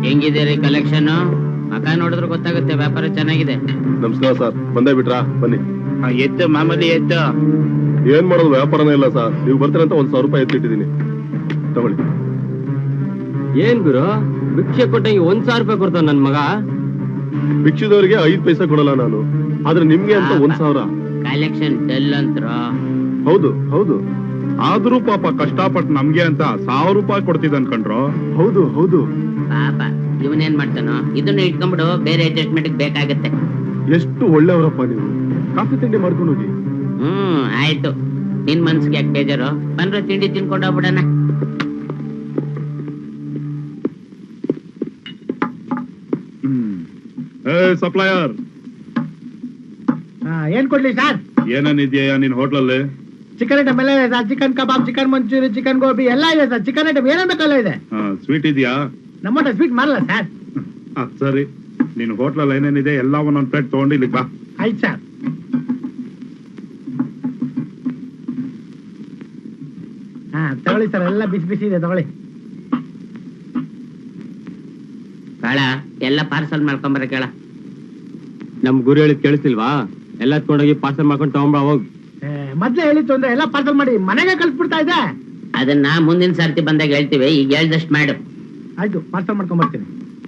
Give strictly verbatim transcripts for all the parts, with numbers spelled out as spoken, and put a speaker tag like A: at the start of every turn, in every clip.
A: ಹೆಂಗಿದೆ ಕಲೆಕ್ಷನ್? ಮಕ ನೋಡಿದ್ರೆ ಗೊತ್ತಾಗುತ್ತೆ ವ್ಯಾಪಾರ ಚೆನ್ನಾಗಿದೆ.
B: ನಮಸ್ಕಾರ ಸರ್, ಬಂದೇ ಬಿಟ್ರಾ? ಬನ್ನಿ.
C: ಎತ್ತು ಮಾಮೂಲಿ ಎತ್ತು.
B: ಏನ್ ಮಾಡೋದು, ವ್ಯಾಪಾರನೇ ಇಲ್ಲ ಸರ್. ನೀವು ಬರ್ತೀರಂತ ಒಂದ್ ಸಾವಿರ ರೂಪಾಯಿ ಎತ್ತಿಟ್ಟಿದ್ದೀನಿ, ತಗೊಳ್ಳಿ.
D: ಏನ್ ಗುರು ಭಿಕ್ಷೆ ಕೊಟ್ಟಂಗೆ ಒಂದ್ ಸಾವಿರ ರೂಪಾಯಿ ಕೊಡ್ತಾವ ನನ್ ಮಗ?
B: ಭಿಕ್ಷದವರಿಗೆ ಐದ್ ಪೈಸಾ ಕೊಡಲ್ಲ ನಾನು, ಆದ್ರೆ ನಿಮ್ಗೆ ಅಂತ ಒಂದ್ ಸಾವಿರ.
A: ಕಲೆಕ್ಷನ್ ಡಲ್ ಅಂತ್ರ.
B: ಹೌದು ಹೌದು,
C: ಆದ್ರೂ ಪಾಪ ಕಷ್ಟಪಟ್ಟು ನಮ್ಗೆ ಅಂತ ಸಾವಿರ ರೂಪಾಯಿ ಕೊಡ್ತಿದ್ ಅನ್ಕೊಂಡ್ರು.
B: ಹೌದು ಹೌದು.
A: ಪಾಪ ಇವನೇನ್ ಮಾಡ್ತಾನೋ, ಇದನ್ನ ಇಟ್ಕೊಂಡ್ಬಿಡು, ಬೇರೆ ಅಡ್ಜಸ್ಟ್ಮೆಂಟ್ ಬೇಕಾಗತ್ತೆ.
B: ಎಷ್ಟು ಒಳ್ಳೆಯವರಪ್ಪ ನೀವು. ಕಾಫಿ ತಿಂಡಿ ಮಾಡ್ಕೊಂಡು ಹೋಗಿ.
A: ಹ್ಮ್ ಆಯ್ತು, ನಿನ್ ಮನ್ಸಿಗೆ ಯಾಕೆ ಬೇಜಾರು? ಬಂದ್ರೆ ತಿಂಡಿ ತಿನ್ಕೊಂಡು ಹೋಗ್ಬಿಡಣ.
C: ಸಪ್ಲೈಯರ್
E: ಏನ್ ಕೊಡ್ಲಿ ಸರ್?
C: ಏನೇನಿದ್ಯಾ ನಿನ್ ಹೋಟ್ಲಲ್ಲಿ?
E: ಚಿಕನ್ ಐಟಮ್ ಎಲ್ಲ ಇದೆ sir. Chicken kebab, chicken manchurian, chicken gobi ಎಲ್ಲ ಇದೆ ಸರ್. ಚಿಕನ್ ಐಟಮ್ ಏನೇನ್ ಬೇಕಲ್ಲ ಇದೆ.
C: ಸ್ವೀಟ್ ಇದೆಯಾ?
E: ನಮ್ಮ ಸ್ವೀಟ್ ಮಾಡಲ್ಲ ಸರ್.
C: ಅದ್ ಸರಿ, ನಿನ್ ಹೋಟ್ಲಲ್ಲಿ ಏನೇನಿದೆ ಎಲ್ಲ ಒಂದೊಂದ್ ಪ್ಲೇಟ್ ತಗೊಂಡು ಇಲ್ಲಿ ಬಾ.
E: ಆಯ್ತು ಸರ್. ಹಾ ತಗೊಳ್ಳಿ ಸರ್, ಎಲ್ಲ ಬಿಸಿ ಬಿಸಿ ಇದೆ, ತಗೊಳ್ಳಿ.
A: ಕಾಳ ಎಲ್ಲ ಪಾರ್ಸಲ್ ಮಾಡ್ಕೊಂಬರ ಕೇಳ.
D: ನಮ್ ಗುರು ಹೇಳಿದ್ ಕೇಳಿಸ್ತಿಲ್ವಾ? ಎಲ್ಲ ತಗೊಂಡೋಗಿ ಪಾರ್ಸಲ್ ಮಾಡ್ಕೊಂಡು ತಗೊಂಬ ಹೋಗ್.
E: ಮೊದ್ಲೇ ಹೇಳಿತ್ತು ಅಂದ್ರೆ ಎಲ್ಲ ಪಾರ್ಸಲ್ ಮಾಡಿ ಮನೆಗೆ ಕಳ್ಸ್ಬಿಡ್ತಾ ಇದೆ.
A: ಅದನ್ನ ಮುಂದಿನ ಸರ್ತಿ ಬಂದಾಗ ಹೇಳ್ತೀವಿ, ಈಗ ಹೇಳ್ದಷ್ಟು ಮಾಡು.
E: ಆಯ್ತು, ಪಾರ್ಸಲ್ ಮಾಡ್ಕೊಂಡ್ ಬರ್ತೀನಿ.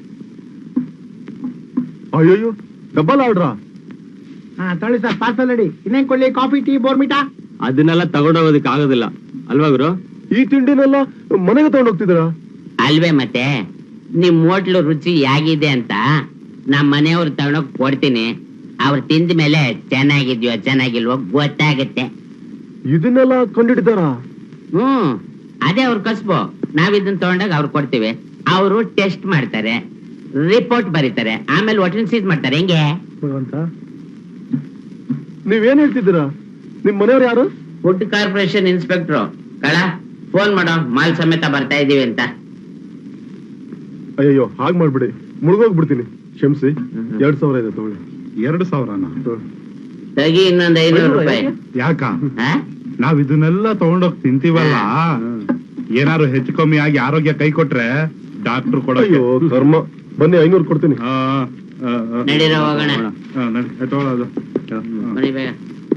B: ಅಯ್ಯೋ, ಡಬಲ್ ಆರ್ಡ್ರಾ?
E: ಹಾ ತಗೊಳ್ಳಿ ಸರ್, ಪಾರ್ಸಲ್ ರೆಡಿ. ಇನ್ನೇನ್ ಕೊಡ್ಲಿ? Coffee, tea, Bournvita?
D: ಅದನ್ನೆಲ್ಲ ತಗೊಂಡೋಗೋದಕ್ಕೆ ಆಗೋದಿಲ್ಲ ಅಲ್ವಾ ಗುರು?
B: ಈ ತಿಂಡಿನೆಲ್ಲ ಮನೆಗೆ ತಗೊಂಡ್ ಹೋಗ್ತಿದ್ದೀರಾ?
A: ಅಲ್ವೇ ಮತ್ತೆ, ನಿಮ್ ಹೋಟ್ಲು ರುಚಿ ಹೇಗಿದೆ ಅಂತ ನಮ್ ಮನೆಯವ್ರು ತಗೊಂಡೋಗ್ ಕೊಡ್ತೀನಿ. ಅವ್ರು ತಿಂದ ಮೇಲೆ ಚೆನ್ನಾಗಿದ್ಯೋ ಚೆನ್ನಾಗಿಲ್ವೋ ಗೊತ್ತಾಗತ್ತೆ.
B: ಇದನ್ನೆಲ್ಲ ಕಂಡಿಡಿದಾರ?
A: ಹ್ಮ್ ಅದೇ ಅವ್ರ ಕಸ್ಬು. ನಾವ್ ಇದನ್ನ ತಗೊಂಡಾಗ ಅವ್ರು ಕೊಡ್ತೀವಿ, ಅವರು ಟೆಸ್ಟ್ ಮಾಡ್ತಾರೆ, ರಿಪೋರ್ಟ್ ಬರೀತಾರೆ, ಆಮೇಲೆ ಹೋಟೆಲ್ ಸೀಸ್ ಮಾಡ್ತಾರೆ. ಹೆಂಗೆ
E: ಅಂತ
B: ನೀವೇನ್ ಹೇಳ್ತಿದ್ದೀರಾ? ನಿಮ್ ಮನೆಯವ್ರು ಯಾರು?
A: Food corporation inspector. ಕಳ ಫೋನ್ ಮಾಡೋ, ಮಾಲ್ ಸಮೇತ ಬರ್ತಾ ಇದೀವಿ ಅಂತ.
B: ಅಯ್ಯೋ, ಹಾಗ್ ಮಾಡ್ಬಿಡಿ, ಮುಳುಗೋಗ್ಬಿಡ್ತೀನಿ, ಕ್ಷಮಿಸಿ. ಎರಡ್ ಸಾವಿರ ಇದೆ, ತಗೊಳ್ಳಿ.
C: ಎರಡು ಸಾವಿರನ
A: ತಗಿ ಇನ್ನೊಂದ್ ಐನೂರು ರೂಪಾಯಿ.
C: ಯಾಕ?
A: ಆ?
C: ನಾವ್ ಇದನ್ನೆಲ್ಲ ತಗೊಂಡೋಗ್ ತಿಂತೀವಲ್ಲ, ಏನಾರು ಹೆಚ್ಚು ಕಮ್ಮಿ ಆಗಿ ಆರೋಗ್ಯ ಕೈ ಕೊಟ್ರೆ ಡಾಕ್ಟರ್ ಕೊಡೋ.
B: ಅಯ್ಯೋ ಕರ್ಮ, ಬನ್ನಿ, ಐನೂರು ಕೊಡ್ತೀನಿ.
A: ನಡೀರೋ ಹೋಗೋಣ.
C: ತಗೊಳ್ಳೋದು.
A: ಬನ್ನಿ ಬೇಗ.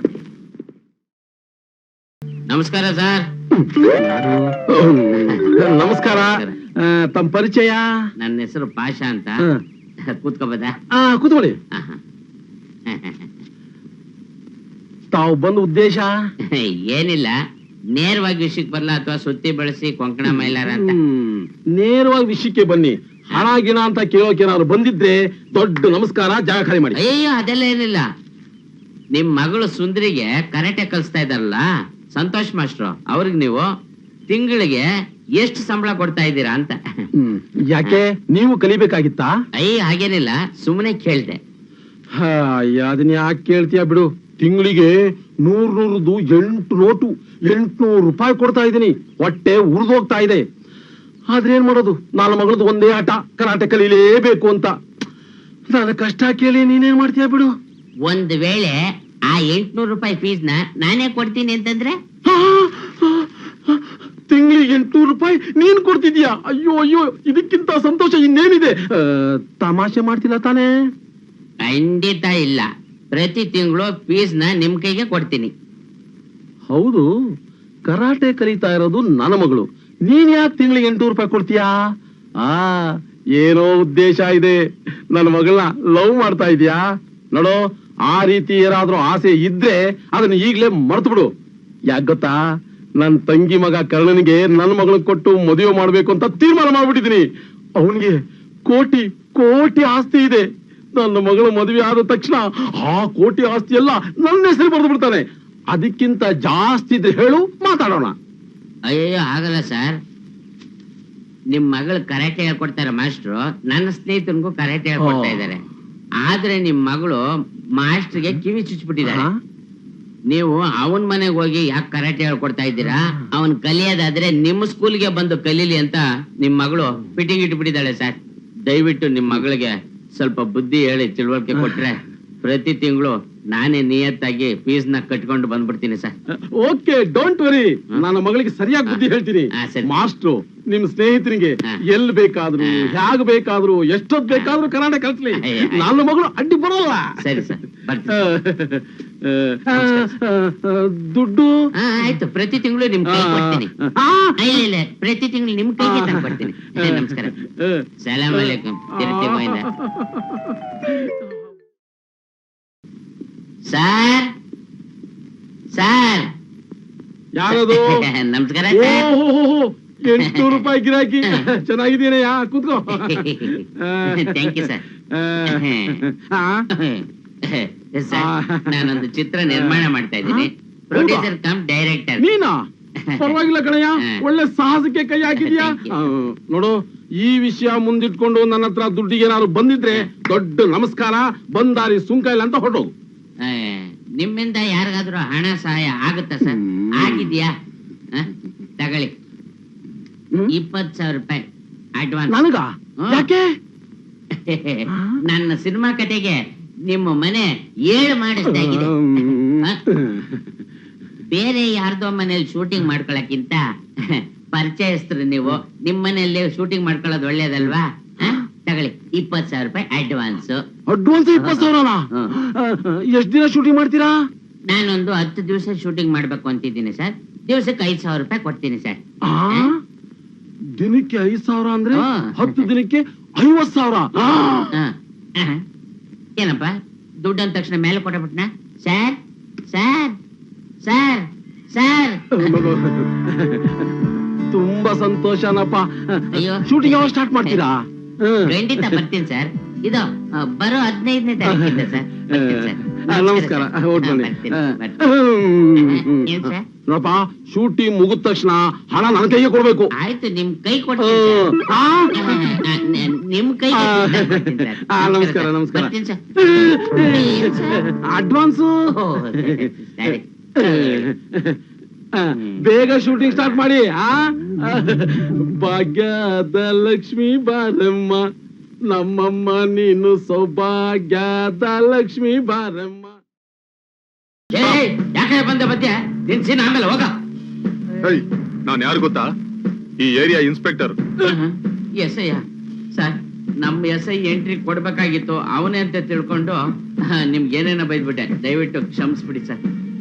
A: ನಮಸ್ಕಾರ ಸರ್.
F: ನಮಸ್ಕಾರ. ತಮ್ಮ ಪರಿಚಯ?
A: ನನ್ನ ಹೆಸರು ಪಾಷಾ ಅಂತ. ಕೂತ್ಕೋಬೋದಾ?
F: ಕೂತ್ಕೊಳ್ಳಿ. ತಾವು ಬಂದ ಉದ್ದೇಶ
A: ಏನಿಲ್ಲ, ನೇರವಾಗಿ ವಿಷಯಕ್ಕೆ ಬರಲ್ಲ ಅಥವಾ ಸುತ್ತಿ ಬಳಸಿ ಕೊಂಕಣ ಮೈಲಾರ ಅಂತ?
F: ನೇರವಾಗಿ ವಿಷಯಕ್ಕೆ ಬನ್ನಿ. ಹಣ ಗಿಣ ಅಂತ ಕೇಳೋಕೆ ಏನಾದ್ರು ಬಂದಿದ್ರೆ ದೊಡ್ಡ ನಮಸ್ಕಾರ, ಜಾಗ ಖಾಲಿ ಮಾಡಿ.
A: ಅಯ್ಯೋ ಅದೆಲ್ಲ ಏನಿಲ್ಲ. ನಿಮ್ ಮಗಳು ಸುಂದರಿಗೆ ಕರಾಟೆ ಕಲಿಸ್ತಾ ಇದಾರಲ್ಲ ಸಂತೋಷ್ ಮಾಸ್ಟ್ರು, ಅವ್ರಿಗೆ ನೀವು ತಿಂಗಳಿಗೆ ಎಷ್ಟು ಸಂಬಳ ಕೊಡ್ತಾ ಇದ್ದೀರಾ ಅಂತ.
F: ಯಾಕೆ, ನೀವು ಕಲಿಬೇಕಾಗಿತ್ತಾ?
A: ಅಯ್ಯ ಹಾಗೇನಿಲ್ಲ, ಸುಮ್ಮನೆ ಕೇಳ್ದೆ.
F: ಅದನ್ನ ಯಾಕೆ ಕೇಳ್ತೀಯ ಬಿಡು. ತಿಂಗಳಿಗೆ ನೂರ್ ನೂರದು ಎಂಟು ನೋಟು ಎಂಟ್ನೂರು ರೂಪಾಯಿ ಕೊಡ್ತಾ ಇದ್ದೀನಿ. ಹೊಟ್ಟೆ ಉರಿದೋಗ್ತಾ ಇದೆ. ಆದ್ರೆ ಏನ್ ಮಾಡೋದು, ನಾಲ್ ಮಗಳದ್ದು ಒಂದೇ ಆಟ, ಕರಾಟೆ ಕಲೀಲೇಬೇಕು ಅಂತ. ನನ್ನ ಕಷ್ಟ ಕೇಳಿ ನೀನೇನ್ ಮಾಡ್ತೀಯ ಬಿಡು.
A: ಒಂದ್ ವೇಳೆ ಆ ಎಂಟ್ನೂರು ರೂಪಾಯಿ ಫೀಸ್ ನ ನಾನೇ ಕೊಡ್ತೀನಿ ಅಂತಂದ್ರೆ?
F: ತಿಂಗಳಿಗೆ ಎಂಟ್ನೂರು ರೂಪಾಯಿ ನೀನ್ ಕೊಡ್ತಿದ್ಯಾ? ಅಯ್ಯೋ ಅಯ್ಯೋ, ಇದಕ್ಕಿಂತ ಸಂತೋಷ ಇನ್ನೇನಿದೆ. ತಮಾಷೆ ಮಾಡ್ತಿಲ್ಲ ತಾನೇ?
A: ಖಂಡಿತ ಇಲ್ಲ, ಪ್ರತಿ ತಿಂಗಳು ಫೀಸ್ ನ ನಿಮ್ ಕೈಗೆ ಕೊಡ್ತೀನಿ.
F: ಹೌದು, ಕರಾಟೆ ಕಲಿತಾ ಇರೋದು ನನ್ನ ಮಗಳು, ನೀನ್ ಯಾಕೆ ತಿಂಗಳಿಗೆ ಎಂಟುನೂರು ರೂಪಾಯಿ ಕೊಡ್ತೀಯಾ? ಆ ಏನೋ ಉದ್ದೇಶ ಇದೆ. ನನ್ನ ಮಗಳನ್ನ ಲವ್ ಮಾಡ್ತಾ ಇದೀಯಾ? ನೋಡೋ, ಆ ರೀತಿ ಏನಾದ್ರೂ ಆಸೆ ಇದ್ರೆ ಅದನ್ನ ಈಗ್ಲೇ ಮರ್ತು ಬಿಡು. ಯಾಕೆ ಗೊತ್ತಾ, ನನ್ ತಂಗಿ ಮಗ ಕರ್ಣನಿಗೆ ನನ್ನ ಮಗಳನ್ನ ಕೊಟ್ಟು ಮದುವೆ ಮಾಡ್ಬೇಕು ಅಂತ ತೀರ್ಮಾನ ಮಾಡ್ಬಿಟ್ಟಿದೀನಿ. ಅವನಿಗೆ ಕೋಟಿ ಕೋಟಿ ಆಸ್ತಿ ಇದೆ. ನನ್ನ ಮಗಳ ಮದುವೆ ಆದ ತಕ್ಷಣ ಆ ಕೋಟಿ ಆಸ್ತಿ ಎಲ್ಲ ನನ್ನ ಹೆಸರು ಬರೆದು ಬಿಡ್ತಾನೆ. ಅದಕ್ಕಿಂತ ಜಾಸ್ತಿ ಇದ್ರೆ ಹೇಳು, ಮಾತಾಡೋಣ.
A: ಅಯ್ಯೋ ಆಗಲ್ಲ ಸರ್. ನಿಮ್ ಮಗಳು ಕರಾಟೆ ಹೇಳ್ಕೊಡ್ತಾರ ಮಾಸ್ಟ್ರು, ನನ್ನ ಸ್ನೇಹಿತನಿಗೂ ಕರಾಟೆ ಹೇಳ್ಕೊಡ್ತಾ ಇದ್ದಾರೆ. ಆದ್ರೆ ನಿಮ್ ಮಗಳು ಮಾಸ್ಟರ್ಗೆ ಕಿವಿ ಚುಚ್ಬಿಟ್ಟಿದ್ದಾರೆ. ನೀವು ಅವನ್ ಮನೆಗೆ ಹೋಗಿ ಯಾಕೆ ಕರಾಟೆ ಹೇಳ್ಕೊಡ್ತಾ ಇದ್ದೀರಾ? ಅವನ್ ಕಲಿಯೋದಾದ್ರೆ ನಿಮ್ಮ ಸ್ಕೂಲ್ಗೆ ಬಂದು ಕಲೀಲಿ ಅಂತ ನಿಮ್ ಮಗಳು ಫಿಟ್ಟಿಂಗ್ ಇಟ್ಬಿಟ್ಟಿದ್ದಾಳೆ ಸರ್. ದಯವಿಟ್ಟು ನಿಮ್ ಮಗಳಿಗೆ ಸ್ವಲ್ಪ ಬುದ್ಧಿ ಹೇಳಿ ತಿಳುವಳಿಕೆ ಕೊಟ್ರೆ ಪ್ರತಿ ತಿಂಗಳು ನಾನೇ ನಿಯತ್ತಾಗಿ ಫೀಸ್ ನ ಕಟ್ಕೊಂಡು ಬಂದ್ಬಿಡ್ತೀನಿ ಸರ್.
F: ಓಕೆ, ಡೋಂಟ್ ವರಿ, ನನ್ನ ಮಗಳಿಗೆ ಸರಿಯಾಗಿ ಬುದ್ಧಿ ಹೇಳ್ತೀನಿ.
A: ಹಾ, ಸರಿ.
F: ಮಾಸ್ಟ್ರು ನಿಮ್ ಸ್ನೇಹಿತರಿಗೆ
A: ಹಾ.
F: ಎಲ್ ಬೇಕಾದ್ರು
A: ಹಾ.
F: ಹ್ಯಾಗ್ ಬೇಕಾದ್ರು ಎಷ್ಟೊತ್ ಬೇಕಾದ್ರೂ ಕನ್ನಡ ಕಲ್ಸ್ಲಿ,
A: ಅಯ್ಯ, ಅಯ್ಯ.
F: ನನ್ನ ಮಗಳು ಅಡ್ಡಿ ಬರೋಲ್ಲ.
A: ಸರಿ ಸರ್, ಬರ್ತೀನಿ.
F: ಆ, ಆ, ಆ, ದುಡ್ಡು
A: ಹಾ, ಆಯ್ತು, ಪ್ರತಿ ತಿಂಗಳು ನಿಮ್ ಕೈ ಕೊಡ್ತೀನಿ.
F: ಆ,
A: ಇಲ್ಲ ಇಲ್ಲ, ಪ್ರತಿ ತಿಂಗಳು ನಿಮ್ ಕೈಗೆ ತಂದು ಕೊಡ್ತೀನಿ. ಏ, ನಮಸ್ಕಾರ.
F: ಆ,
A: ಸಲಾಮ್ ಅಲೈಕುಂ. ತಿರುಪತಿ ಗೋವಿಂದ. ಸರ್ ಸರ್
F: ಯಾರದು?
A: ನಮಸ್ಕಾರ
F: ಓ,
A: ಸರ್.
F: ಹೋ, ಹೋ, ಹೋ, ಎಂಟ್ನೂರು ರೂಪಾಯಿ ಗಿರಾಕಿ. ಚೆನ್ನಾಗಿದ್ದೀನಯ್ಯ, ಕೂತ್ಕೋ.
A: Thank you sir.
F: ಆ,
A: ಸರ್, ನಾನೊಂದು ಚಿತ್ರ ನಿರ್ಮಾಣ ಮಾಡ್ತಾ ಇದ್ದೀನಿ. Producer cum director.
F: ನೀನಾ? ಪರವಾಗಿಲ್ಲ ಕಣಯ್ಯ, ಒಳ್ಳೆ ಸಾಹಸಕ್ಕೆ ಕೈ ಹಾಕಿದ್ಯಾ.
A: Thank you.
F: ಆ, ನೋಡು, ಈ ವಿಷಯ ಮುಂದಿಟ್ಕೊಂಡು ನನ್ನ ಹತ್ರ ದುಡ್ಡಿಗೆ ಏನಾದ್ರು ಬಂದಿದ್ರೆ ದೊಡ್ಡ ನಮಸ್ಕಾರ, ಬಂದಾರಿ ಸುಂಕ ಇಲ್ಲ ಅಂತ ಹೊರಟೋಗು.
A: ನಿಮ್ಮಿಂದ ಯಾರಿಗಾದ್ರೂ ಹಣ ಸಹಾಯ ಆಗುತ್ತಾ ಸರ್? ಆಗಿದ್ಯಾ? ಹ? ತಗೊಳ್ಳಿ, ಇಪ್ಪತ್ ಸಾವಿರ ರೂಪಾಯಿ ಅಡ್ವಾನ್ಸ್.
F: ನನಗ ಯಾಕೆ?
A: ನನ್ನ ಸಿನಿಮಾ ಕತೆಗೆ ನಿಮ್ಮ ಮನೆ ಏಳು ಮಾಡಿಸ್ದಾಗಿದೆ. ಹ? ಬೇರೆ ಯಾರ್ದೋ ಮನೇಲಿ ಶೂಟಿಂಗ್ ಮಾಡ್ಕೊಳಕ್ಕಿಂತ ಪರಿಚಯಸ್ತರು ನೀವು, ನಿಮ್ ಮನೆಯಲ್ಲಿ ಶೂಟಿಂಗ್ ಮಾಡ್ಕೊಳ್ಳೋದು ಒಳ್ಳೇದಲ್ವಾ? ಹ? ತಗೊಳ್ಳಿ, ಇಪ್ಪತ್ ಸಾವಿರ ರೂಪಾಯಿ ಅಡ್ವಾನ್ಸ್.
F: ಅಡ್ವಾನ್ಸ್ ಇಪ್ಪತ್ತು ಸಾವಿರನಾ? ಎಷ್ಟ್ ದಿನ ಶೂಟಿಂಗ್ ಮಾಡ್ತೀರಾ?
A: ನಾನೊಂದು ಹತ್ತು ದಿವಸ ಶೂಟಿಂಗ್ ಮಾಡ್ಬೇಕು ಅಂತಿದ್ದೀನಿ ಸರ್. ದಿವಸಕ್ಕೆ ಐದ್ ಸಾವಿರ ರೂಪಾಯಿ ಕೊಡ್ತೀನಿ ಸರ್.
F: ಆ, ದಿನಕ್ಕೆ ಐದ್ ಸಾವಿರ ಅಂದ್ರೆ
A: ಹಾ.
F: ಹತ್ತು ದಿನಕ್ಕೆ ಐವತ್ ಸಾವಿರ. ಆ,
A: ಹ. ಹ. ಏನಪ್ಪ, ದುಡ್ಡು ಅಂದ ತಕ್ಷಣ ಮೇಲೆ ಕೊಟ್ಟಬಿಟ್ನ? ಸರ್ ಸರ್ ಸರ್ ಸರ್
F: ತುಂಬಾ ಸಂತೋಷನಪ್ಪ.
A: ಅಯ್ಯೋ.
F: ಶೂಟಿಂಗ್ ಯಾವಾಗ ಸ್ಟಾರ್ಟ್ ಮಾಡ್ತೀರಾ? ಹ್ಮ್.
A: ಖಂಡಿತ ಬರ್ತೀನಿ ಸರ್. ಇದು ಆ, ಬರೋ ಹದಿನೈದನೇ ತಾರೀಕಿಂದ ಸರ್. ಬರ್ತೀನಿ ಸರ್.
F: ಆ, ನಮಸ್ಕಾರ.
A: ಸರ್.
F: ಹೊರಟ್
A: ಹಾ,
F: ಬನ್ನಿ.
A: ಬರ್ತೀನಿ,
F: ಆ,
A: ಬರ್ತೀನಿ.
F: ಹ್ಮ್.
A: ಏನ್ ಸರ್?
F: ನೋಡಪ್ಪ, ಶೂಟಿಂಗ್ ಮುಗಿದ ತಕ್ಷಣ ಹಣ ನನ್ನ ಕೈಗೆ ಕೊಡ್ಬೇಕು.
A: ಆಯ್ತು, ನಿಮ್ ಕೈ ಕೊಡ್ತೀನಿ ಸರ್.
F: ಆ,
A: ಆ, ನ- ನ- ನಿಮ್ ಕೈಗೆ
F: ಆ,
A: ಕೊಡ್ತೀನಿ ಸರ್.
F: ಆ, ನಮಸ್ಕಾರ, ನಮಸ್ಕಾರ.
A: ಬರ್ತೀನಿ ಸರ್. ಏನ್ ಸರ್?
F: ಅಡ್ವಾನ್ಸು.
A: ಓ, ಸರಿ, ಸರಿ.
F: ಆ, ಬೇಗ ಶೂಟಿಂಗ್ ಸ್ಟಾರ್ಟ್ ಮಾಡಿ. ಆ, ಭಾಗ್ಯದ ಲಕ್ಷ್ಮಿ ಬಾರಮ್ಮ, ನಮ್ಮಮ್ಮ ನೀನು ಸೌಭಾಗ್ಯದ ಲಕ್ಷ್ಮಿ ಬಾರಮ್ಮ.
A: ಏಯ್, ಯಾಕೆ ಬಂದೆ ಬದ್ಯ? ತಿನ್ಸಿನ ಆಮೇಲೆ ಹೋಗ.
B: ಹೇಯ್, ನಾನ್ ಯಾರು ಗೊತ್ತಾ? ಈ area inspector.
A: S I sir, ನಮ್ ಎಸ್ ಐ ಎಂಟ್ರಿ ಕೊಡ್ಬೇಕಾಗಿತ್ತು, ಅವನೇ ಅಂತ ತಿಳ್ಕೊಂಡು ಆ, ನಿಮ್ಗೆ ಏನೇನೋ ಬೈದ್ಬಿಟ್ಟೆ. ದಯವಿಟ್ಟು ಕ್ಷಮಿಸ್ಬಿಡಿ ಸರ್.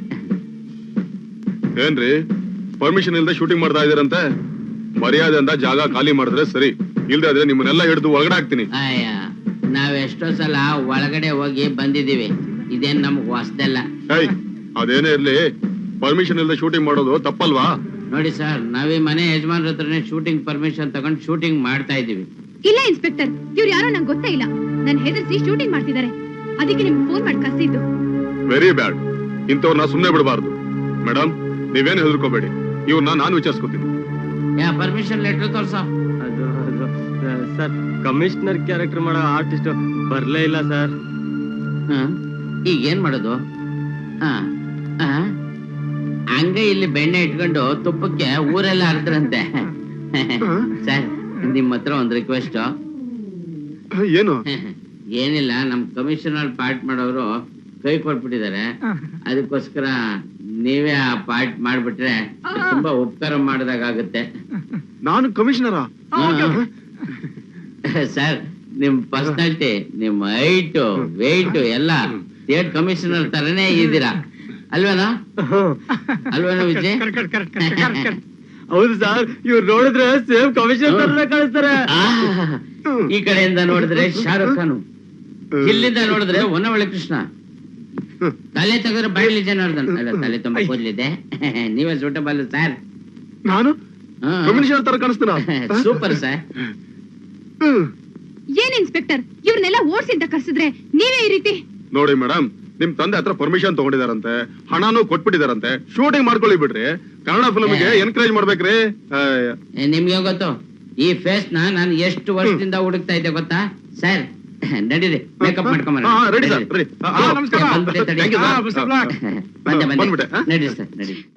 B: ಏನ್ರಿ, ಪರ್ಮಿಷನ್ ಇಲ್ದೆ ಶೂಟಿಂಗ್ ಮಾಡ್ತಾ ಇದೀರಂತೆ? ಮರ್ಯಾದೆಯಿಂದ ಜಾಗ ಖಾಲಿ ಮಾಡಿದ್ರೆ ಸರಿ, ಇಲ್ದೇ ಆದ್ರೆ ನಿಮ್ಮನ್ನೆಲ್ಲ ಹಿಡಿದು ಒಳಗಡೆ ಹಾಕ್ತೀನಿ.
A: ಅಯ್ಯ, ನಾವ್ ಎಷ್ಟೋ ಸಲ ಒಳಗಡೆ ಹೋಗಿ ಬಂದಿದೀವಿ, ಇದೇನ್ ನಮ್ಗ್ ಹೊಸ್ದಲ್ಲ.
B: ಹೇಯ್, ಅದೇನೇ ಇರ್ಲಿ, ಪರ್ಮಿಷನ್ ಇಲ್ದೆ ಶೂಟಿಂಗ್ ಮಾಡೋದು ತಪ್ಪಲ್ವಾ?
A: ನೋಡಿ ಸರ್, ನಾವೀ ಮನೆ ಯಜಮಾನ್ರ ಹತ್ರನೇ ಶೂಟಿಂಗ್ ಪರ್ಮಿಷನ್ ತಗೊಂಡು ಶೂಟಿಂಗ್ ಮಾಡ್ತಾ ಇದೀವಿ.
G: ಇಲ್ಲ ಇನ್ಸ್ಪೆಕ್ಟರ್, ಇವ್ರು ಯಾರೋ ನಂಗೆ ಗೊತ್ತೇ ಇಲ್ಲ. ನನ್ ಹೆದರ್ಸಿ ಶೂಟಿಂಗ್ ಮಾಡ್ತಿದ್ದಾರೆ, ಅದಕ್ಕೆ ನಿಮ್ಗೆ ಫೋನ್ ಮಾಡಿ ಕರ್ಸಿದ್ದು.
B: Very bad. ಇಂಥವ್ರನ್ನ ಸುಮ್ನೆ ಬಿಡಬಾರ್ದು. ಮೇಡಮ್, ನೀವೇನು ಹೆದರ್ಕೋಬೇಡಿ, ಇವ್ರನ್ನ ನಾನು ವಿಚಾರಿಸ್ಕೊತೀನಿ.
A: ಯಾ ಪರ್ಮಿಷನ್ ಲೆಟರ್ ತೋರ್ಸ.
D: ಅದು ಅದು ಸರ್, ಕಮಿಷನರ್ ಕ್ಯಾರೆಕ್ಟರ್ ಮಾಡೋ ಆರ್ಟಿಸ್ಟ್ ಬರ್ಲೇ ಇಲ್ಲ ಸರ್.
A: ಈಗ ಏನ್ ಮಾಡೋದು? ಹ, ಹ? ಹಂಗೆ ಇಲ್ಲಿ ಬೆಣ್ಣೆ ಇಟ್ಕೊಂಡು ತುಪ್ಪಕ್ಕೆ ಊರೆಲ್ಲ ಹರಿದ್ರಂತೆ. ಸರ್, ನಿಮ್ ಹತ್ರ ಒಂದ್ ರಿಕ್ವೆಸ್ಟ್.
B: ಏನು?
A: ಏನಿಲ್ಲ, ನಮ್ ಕಮಿಷನರ್ ಪಾರ್ಟ್ ಮಾಡೋರು ಕೈ ಕೊಟ್ಬಿಟ್ಟಿದ್ದಾರೆ. ಅದಕ್ಕೋಸ್ಕರ ನೀವೇ ಆ ಪಾರ್ಟ್ ಮಾಡ್ಬಿಟ್ರೆ ತುಂಬಾ ಉಪಕಾರ ಮಾಡಿದಾಗುತ್ತೆ.
B: ನಾನು ಕಮಿಷನರ?
A: ಸರ್, ನಿಮ್ ಪರ್ಸನಾಲಿಟಿ, ನಿಮ್ ಹೈಟ್ ವೆಯ್ಟ್ ಎಲ್ಲ ಸ್ಟೇಟ್ ಕಮಿಷನರ್ ತರನೇ ಇದ್ದೀರಾ ಅಲ್ವೇನಾ? ಅಲ್ವೇನೋ ವಿಜಯ್?
D: ಹೌದು ಸರ್, ಇವ್ರು ನೋಡಿದ್ರೆ ಸೇಮ್ ಕಮಿಷನರ್ ಕಾಣಿಸ್ತಾರೆ.
A: ಆ, ಈ ಕಡೆಯಿಂದ ನೋಡಿದ್ರೆ ಶಾರುಖ್ ಖಾನ್, ಇಲ್ಲಿಂದ ನೋಡಿದ್ರೆ ಹೊನ್ನವಳ್ಳಿ ಕೃಷ್ಣ, ತಲೆ ತೆಗೆದ್ರೆ ಬಯಲಿ ಜನಾರ್ದನ್. ಅಲ್ಲ, ತಲೆ ತುಂಬಾ ಕೂದಲಿದೆ. ನೀವೇ ಸೂಟಬಲ್ ಸರ್.
B: ನಾನು ಕಮಿಷನರ್ ತರ ಕಾಣಿಸ್ತೀನ?
A: Super sir.
G: ಏನ್ ಇನ್ಸ್ಪೆಕ್ಟರ್, ಇವ್ರನ್ನೆಲ್ಲ ಓಡ್ಸಿಂತ ಕರ್ಸಿದ್ರೆ ನೀವೇ ಈ ರೀತಿ?
B: ನೋಡಿ ಮೇಡಮ್, ನಿಮ್ ತಂದೆ ಹತ್ರ ಪರ್ಮಿಷನ್ ತಗೊಂಡಿದಾರಂತೆ, ಹಣನೂ ಕೊಟ್ಬಿಟ್ಟಿದಾರಂತೆ, ಶೂಟಿಂಗ್ ಮಾಡ್ಕೊಳ್ಳಿ ಬಿಡ್ರಿ. ಕನ್ನಡ ಫಿಲ್ಮ್ಗೆ ಎನ್ಕರೇಜ್ ಮಾಡ್ಬೇಕ್ರಿ.
A: ನಿಮ್ಗೆ ಗೊತ್ತು, ಈ ಫೇಸ್ ನ ನಾನು ಎಷ್ಟು ವರ್ಷದಿಂದ ಹುಡುಕ್ತಾ ಇದ್ದೆ ಗೊತ್ತಾ ಸರ್? ನಡೀರಿ, ಮೇಕಪ್ ಮಾಡ್ಕೊಂಬರ.
B: Ready sir, ready.
A: ಬಂದೆ ಬಂದೆ, ನಡೀರಿ ಸರ್, ನಡೀರಿ.